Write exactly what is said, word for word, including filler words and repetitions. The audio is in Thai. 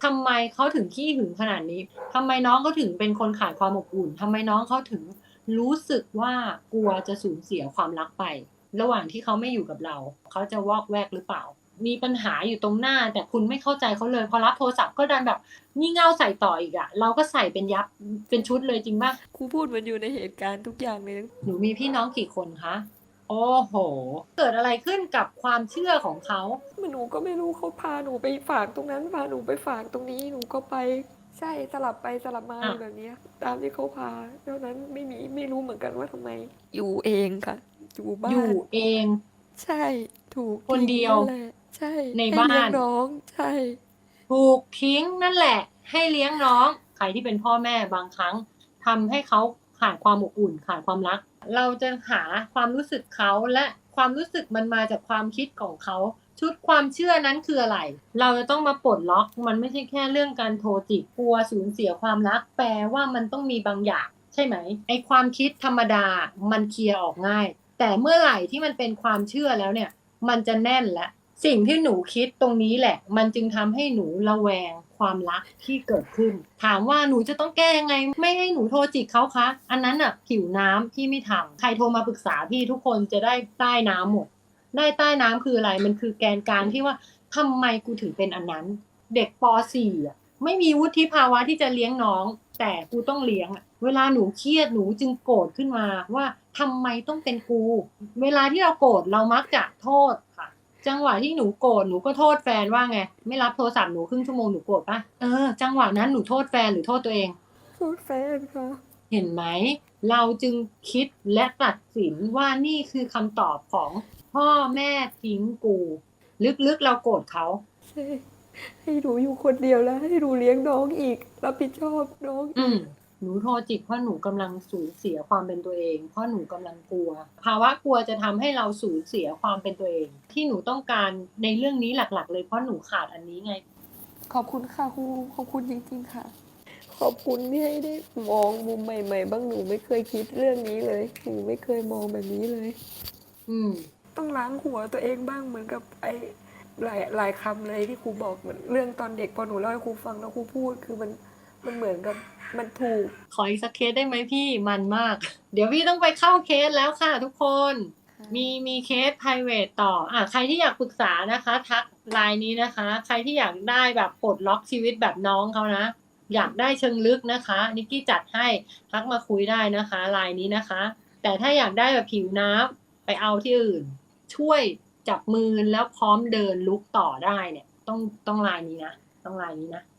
ทำไมเขาถึงขี้หึงขนาดนี้ ทำไมน้องเขาถึงเป็นคนขาดความอบอุ่น ทำไมน้องเขาถึงรู้สึกว่ากลัวจะสูญเสียความรักไป ระหว่างที่เขาไม่อยู่กับเรา เขาจะวอกแวกหรือเปล่า มีปัญหาอยู่ตรงหน้า แต่คุณไม่เข้าใจเขาเลย พอรับโทรศัพท์ก็ดันแบบงี่เง่าใส่ต่ออีกอะ เราก็ใส่เป็นยับ เป็นชุดเลยจริงเปล่า? ครูพูดเหมือนอยู่ในเหตุการณ์ทุกอย่างเลยหนูมีพี่น้องกี่คนคะ? โอ้โฮ เกิดอะไรขึ้นกับความเชื่อของเขา? หนูก็ไม่รู้ เขาพาหนูไปฝากตรงนั้น พาหนูไปฝากตรงนี้ หนูก็ไป ใช่ สลับไปสลับมาออยู่าแบบเนี้ย ตามที่เขาพา เท่านั้น ไม่มี ไม่รู้เหมือนกันว่าทำไม อยู่เองค่ะ อยู่บ้อายู่นเองใช่ ถูกทคนิ้งเดียวนั่นแหละ ใช่ในให้บ้เลี้านยงน้อง ใช่ถูกทิ้งนั่นแหละ ให้เลี้ยงน้อง ใครที่เป็นพ่อแม่บางครั้งทำให้เขาขาดความอบอุ่น ขาดความรัก เราจะหาความรู้สึกเขา และความรู้สึกมันมาจากความคิดของเขา ชุดความเชื่อนั้นคืออะไร? เราจะต้องมาปลดล็อก มันไม่ใช่แค่เรื่องการโทรจิก กลัวสูญเสียความรัก แปลว่ามันต้องมีบางอย่าง ใช่ไหม? ไอ้ความคิดธรรมดาอะมันเคลียร์ออกง่าย แต่เมื่อไหร่ที่มันเป็นความเชื่อแล้วเนี่ย มันจะแน่นแล้ว สิ่งที่หนูคิดตรงนี้แหละ มันจึงทำให้หนูระแวงความรักที่เกิดขึ้น ถามว่าหนูจะต้องแก้ยังไง ไม่ให้หนูโทรจิกเขาคะ? อันนั้นน่ะผิวน้ำ พี่ไม่ทำ ใครโทรมาปรึกษาพี่ทุกคนจะได้ใต้น้ำหมด ได้ใต้น้ำคืออะไร? มันคือแกนกลางที่ว่า ทำไมกูถึงเป็นอันนั้น? เด็ก ป. สี่ อะ ไม่มีวุฒิภาวะที่จะเลี้ยงน้อง แต่กูต้องเลี้ยงอะ เวลาหนูเครียดหนูจึงโกรธขึ้นมาว่า ทำไมต้องเป็นกู? เวลาที่เราโกรธเรามักจะโทษค่ะ จังหวะที่หนูโกรธหนูก็โทษแฟนว่าไง? ไม่รับโทรศัพท์หนูครึ่งชั่วโมงหนูโกรธเปล่า? เออ จังหวะนั้นหนูโทษแฟนหรือโทษตัวเอง? โทษแฟนค่ะเห็นไหม? เราจึงคิดและตัดสินว่า นี่คือคำตอบของพ่อแม่ทิ้งกู ลึก ๆ เราโกรธเขาใช่ ให้หนูอยู่คนเดียว แล้วให้หนูเลี้ยงน้องอีก รับผิดชอบน้องออืีมกหนูโทรจิก เพราะหนูกำลังสูญเสียความเป็นตัวเอง เพราะหนูกำลังกลัว ภาวะกลัวจะทำให้เราสูญเสียความเป็นตัวเอง ที่หนูต้องการในเรื่องนี้หลัก ๆ เลย เพราะหนูขาดอันนี้ไงขอบคุณค่ะครู ขอบคุณจริง ๆ ค่ะ ขอบคุณที่ให้ได้มองมุมใหม่ ๆ บ้าง หนูไม่เคยคิดเรื่องนี้เลย หนูไม่เคยมองแบบนี้เลยอืมต้องล้างหัวตัวเองบ้าง เหมือนกับไอ้ หลาย หลายคำเลยที่ครูบอก เหมือนเรื่องตอนเด็ก พอหนูเล่าให้ครูฟังแล้วครูพูด คือมัน มันเหมือนกับมันถูกขออีกสักเคสได้ไหมพี่? มันมาก เดี๋ยวพี่ต้องไปเข้าเคสแล้วค่ะทุกคนค่มีะมีเคสไพรเวตต่อ อ่า ใครที่อยากปรึกษานะคะ ทัก ไลน์ นี้นะคะ ใครที่อยากได้แบบปลดล็อกชีวิตแบบน้องเขานะ อยากได้เชิงลึกนะคะ นิกกี้จัดให้ ทักมาคุยได้นะคะ ไลน์ นี้นะคะ แต่ถ้าอยากได้แบบผิวน้ำ ไปเอาที่อื่น ช่วยจับมือแล้วพร้อมเดินลุกต่อได้เนี่ย ต้อง ต้อง ไลน์ นี้นะ ต้อง ไลน์ นี้นะ